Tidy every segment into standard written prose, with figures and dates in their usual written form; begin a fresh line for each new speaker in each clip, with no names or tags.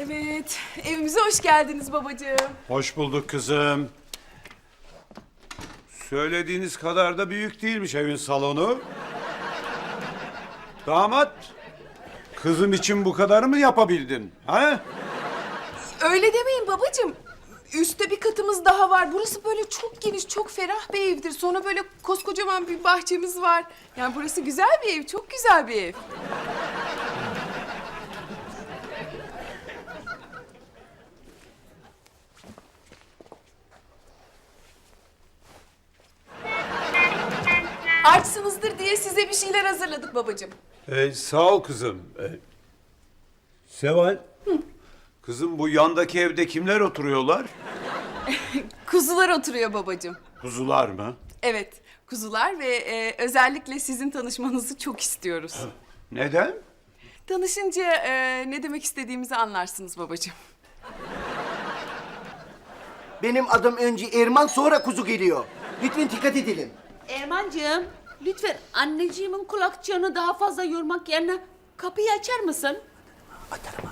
Evet, evimize hoş geldiniz babacığım.
Hoş bulduk kızım. Söylediğiniz kadar da büyük değilmiş evin salonu. Damat, kızım için bu kadar mı yapabildin? Ha?
Öyle demeyin babacığım. Üstte bir katımız daha var. Burası böyle çok geniş, çok ferah bir evdir. Sonra böyle koskocaman bir bahçemiz var. Yani burası güzel bir ev, çok güzel bir ev. Açsınızdır diye size bir şeyler hazırladık babacığım.
Sağ ol kızım. Seval. Kızım bu yandaki evde kimler oturuyorlar?
Kuzular oturuyor babacığım.
Kuzular mı?
Evet, kuzular ve özellikle sizin tanışmanızı çok istiyoruz.
Neden?
Tanışınca ne demek istediğimizi anlarsınız babacığım.
Benim adım önce Erman, sonra kuzu geliyor. Lütfen dikkat edelim.
Ermancığım, lütfen anneciğimin kulakçığını daha fazla yormak yerine kapıyı açar mısın?
Atarım ha.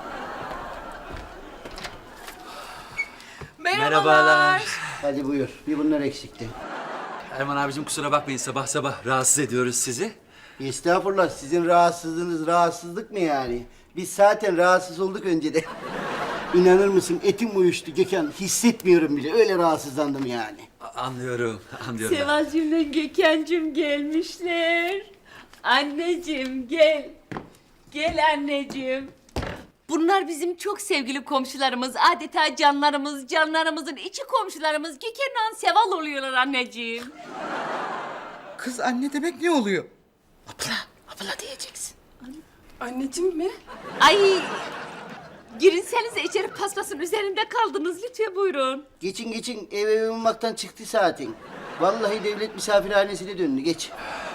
Merhabalar.
Hadi buyur. Bir bunlar eksikti.
Erman abicim kusura bakmayın sabah sabah rahatsız ediyoruz sizi.
Estağfurullah, sizin rahatsızlığınız rahatsızlık mı yani? Biz zaten rahatsız olduk önceden. İnanır mısın, etim uyuştu Gökhan. Hissetmiyorum bile. Öyle rahatsızlandım yani.
Anlıyorum, anlıyorum.
Sevalcığımla Gökhan'cığım gelmişler. Anneciğim gel. Gel anneciğim. Bunlar bizim çok sevgili komşularımız. Adeta canlarımız, canlarımızın içi komşularımız. Gökhan'la Seval oluyorlar anneciğim.
Kız anne demek ne oluyor?
Abla diyeceksin.
Anneciğim mi?
Ay girinsenize içeri, paspasın üzerinde kaldınız. Lütfen buyurun.
Geçin geçin. Ev olmaktan çıktı zaten. Vallahi devlet misafirhanesine döndü. Geç.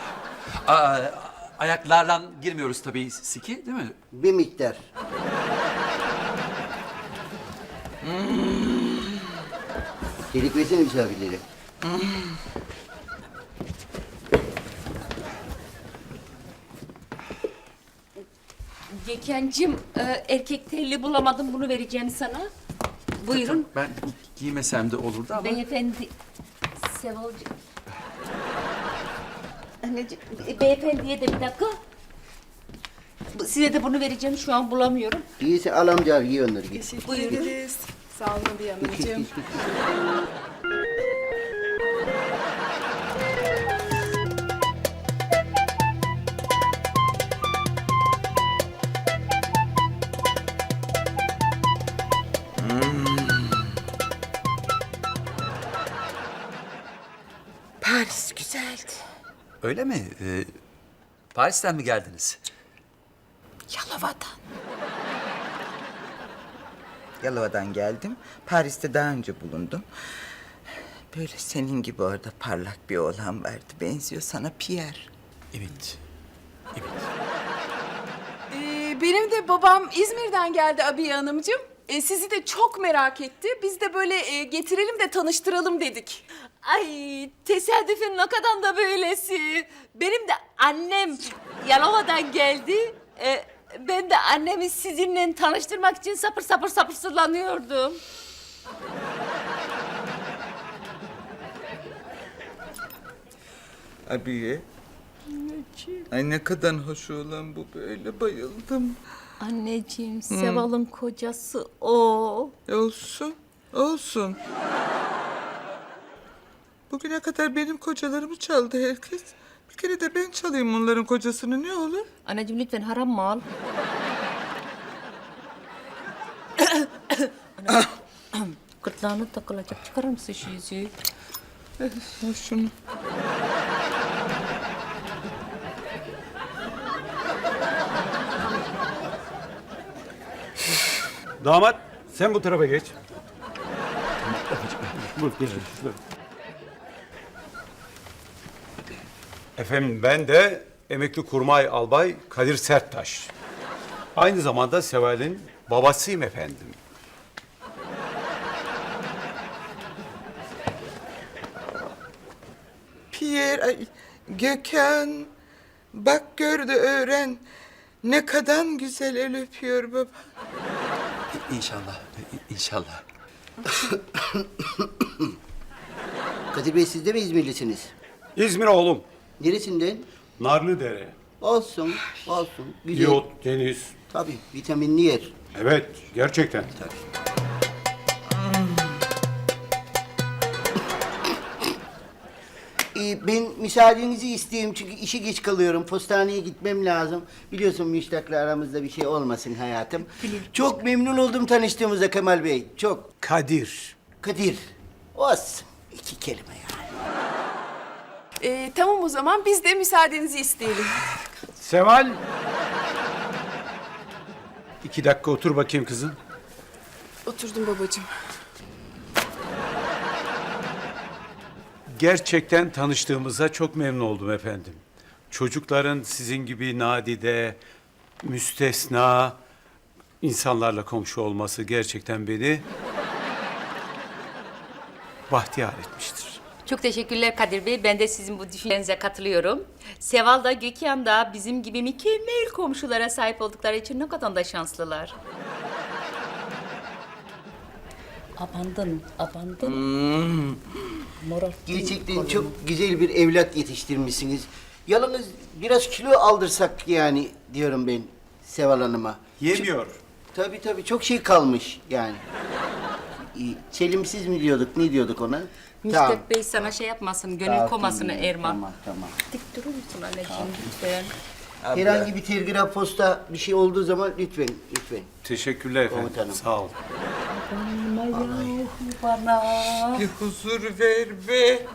Ayaklarla girmiyoruz tabii siki değil mi?
Bir miktar. Delik versene misafirlere.
Gökhan'cığım erkek telli bulamadım, bunu vereceğim sana. Buyurun.
Ben giymesem de olurdu ama.
Beyefendi, Sevalcığım. Anneciğim, beyefendiye de bir dakika. Size de bunu vereceğim, şu an bulamıyorum.
İyiyse al amca abi, giy onları. Giy.
Teşekkür ederiz. Sağ olun Nabiye Hanımcığım.
Paris güzeldi.
Öyle mi? Paris'ten mi geldiniz?
Yalova'dan. Yalova'dan geldim. Paris'te daha önce bulundum. Böyle senin gibi orada parlak bir oğlan vardı. Benziyor sana, Pierre.
Evet. Evet.
Benim de babam İzmir'den geldi Abiye Hanımcığım. Sizi de çok merak etti. Biz de böyle getirelim de tanıştıralım dedik.
Ay tesadüfün ne kadar da böylesi. Benim de annem Yalova'dan geldi. Ben de annemi sizinle tanıştırmak için sapır sapır sabırsızlanıyordum.
Abiye. Ay ne kadar hoş olan bu, böyle bayıldım.
Anneciğim, Seval'ın kocası o.
Olsun, olsun. Bugüne kadar benim kocalarımı çaldı herkes. Bir kere de ben çalayım onların kocasını, ne olur?
Anneciğim lütfen haram mal. Gırtlağına takılacak. Çıkarır mısın şu yüzüğü?
Al şunu.
Damat, sen bu tarafa geç. Buyur, geç. Efendim ben de emekli kurmay albay Kadir Serttaş. Aynı zamanda Seval'in babasıyım efendim.
Pierre, ay, Gökhan. Bak gör de öğren. Ne kadar güzel el öpüyor baba.
İnşallah. İnşallah.
Kadir Bey siz de mi İzmirlisiniz?
İzmir oğlum.
Neresinden?
Narlıdere.
Olsun, olsun. Güzel.
Diyot, deniz.
Tabii, vitaminli yer.
Evet, gerçekten.
Ben müsaadenizi isteyeyim çünkü işe geç kalıyorum. Postaneye gitmem lazım. Biliyorsun Müştak'la aramızda bir şey olmasın hayatım. Çok memnun oldum tanıştığımıza Kemal Bey. Çok.
Kadir.
Kadir. Olsun. 2 kelime yani.
Tamam o zaman biz de müsaadenizi isteyelim.
Seval. 2 dakika otur bakayım kızım.
Oturdum babacığım.
Gerçekten tanıştığımıza çok memnun oldum efendim. Çocukların sizin gibi nadide, müstesna insanlarla komşu olması gerçekten beni bahtiyar etmiştir.
Çok teşekkürler Kadir Bey. Ben de sizin bu düşüncenize katılıyorum. Seval da Gökhan da bizim gibi mükemmel komşulara sahip oldukları için ne kadar da şanslılar. Abandın. Moral.
Gerçekten çok güzel bir evlat yetiştirmişsiniz. Yalnız biraz kilo aldırsak yani diyorum ben Seval Hanım'a.
Yemiyor.
Tabii çok şey kalmış yani. Çelimsiz mi diyorduk, ne diyorduk ona?
Müstak Bey sana şey yapmasın, gönül komasını
Tamam,
Erman.
Tamam.
Dik durur musun anneciğim lütfen?
Herhangi bir telgraf, posta bir şey olduğu zaman lütfen.
Teşekkürler efendim.
Komutanım.
Sağ olun.
Bana.
Bir huzur ver be.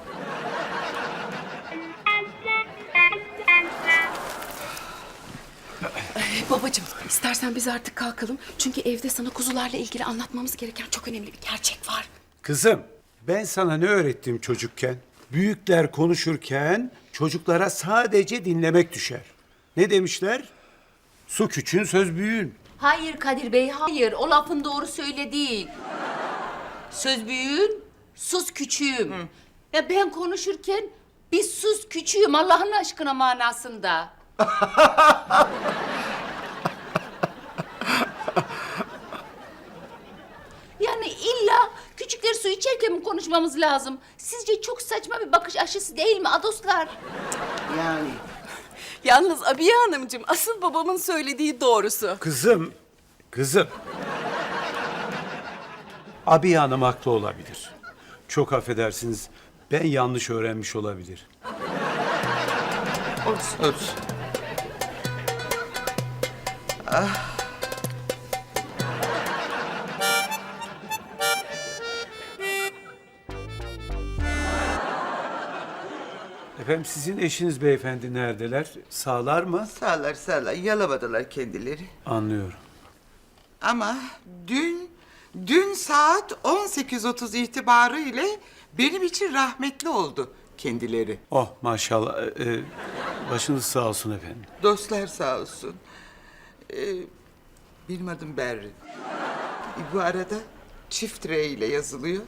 Babacığım istersen biz artık kalkalım. Çünkü evde sana kuzularla ilgili anlatmamız gereken çok önemli bir gerçek var.
Kızım, ben sana ne öğrettim çocukken? Büyükler konuşurken çocuklara sadece dinlemek düşer. Ne demişler? Su küçüğün, söz büyüğün.
Hayır Kadir Bey, hayır. O lafın doğru söyle değil. Söz büyüğün, sus küçüğüm. Ya ben konuşurken bir sus küçüğüm Allah'ın aşkına manasında. Yani illa küçükler su içerken mi konuşmamız lazım? Sizce çok saçma bir bakış açısı değil mi adoslar?
Yani
Yalnız Abiye Hanımcığım asıl babamın söylediği doğrusu.
Kızım. Abi Hanım haklı olabilir. Çok affedersiniz, ben yanlış öğrenmiş olabilir.
Olsun.
Efendim sizin eşiniz beyefendi neredeler? Sağlar mı?
Sağlar. Yalamadılar kendileri.
Anlıyorum.
Ama dün saat 18.30 itibarı ile benim için rahmetli oldu kendileri.
Oh maşallah. Başınız sağ olsun efendim.
Dostlar sağ olsun. Benim adım Berrin. Bu arada çift R ile yazılıyor.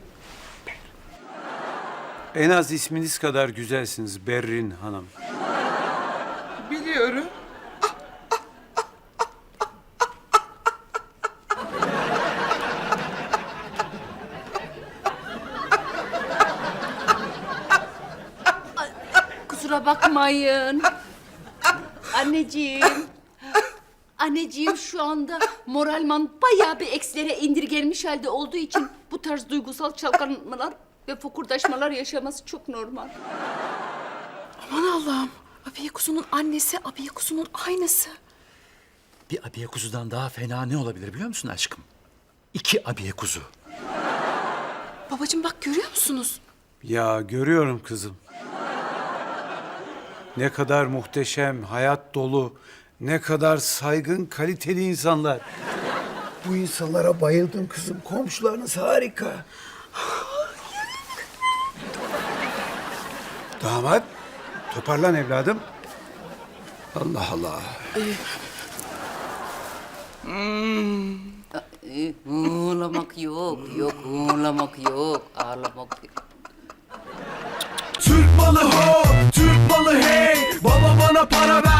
En az isminiz kadar güzelsiniz Berrin Hanım.
Biliyorum.
Kusura bakmayın. Anneciğim. Anneciğim şu anda moralman bayağı bir eksilere indirgenmiş halde olduğu için bu tarz duygusal çalkanmalar ve fokurdaşmalar yaşaması çok normal.
Aman Allah'ım. Abiye kuzunun annesi, Abiye kuzunun aynısı.
Bir abiye kuzudan daha fena ne olabilir biliyor musun aşkım? 2 abiye kuzu.
Babacığım bak görüyor musunuz?
Ya görüyorum kızım. Ne kadar muhteşem, hayat dolu, ne kadar saygın, kaliteli insanlar. Bu insanlara bayıldım kızım. Komşularınız harika. Damat, toparlan evladım. Allah Allah.
Ağlamak yok, ağlamak yok, ağlamak yok.
Türk malı ho, Türk malı hey. Baba bana para ver.